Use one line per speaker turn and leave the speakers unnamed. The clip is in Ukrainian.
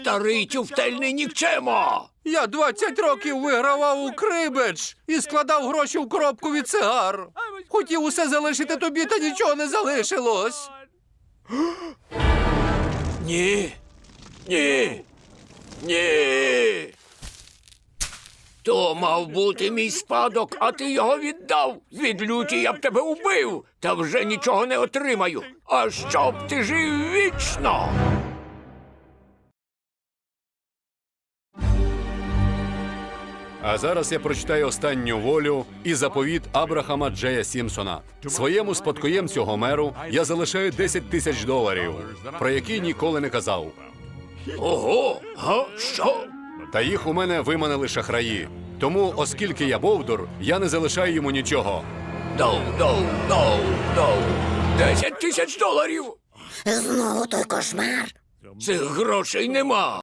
Старий тюфтельний нікчемо!
Я 20 років вигравав у крибедж і складав гроші в коробку від цигар. Хотів усе залишити тобі, та нічого не залишилось.
Ні. Ні. Ні. То мав бути мій спадок, а ти його віддав. Від люті я б тебе убив, та вже нічого не отримаю. А щоб ти жив вічно.
А зараз я прочитаю останню волю і заповіт Абрахама Джея Сімпсона. Своєму спадкоємцю Гомеру я залишаю $10 000, про які ніколи не казав.
Ого, га, що?
Та їх у мене виманили шахраї. Тому, оскільки я бовдур, я не залишаю йому нічого.
Дов. 10 000 доларів.
Знову той кошмар.
Цих грошей нема.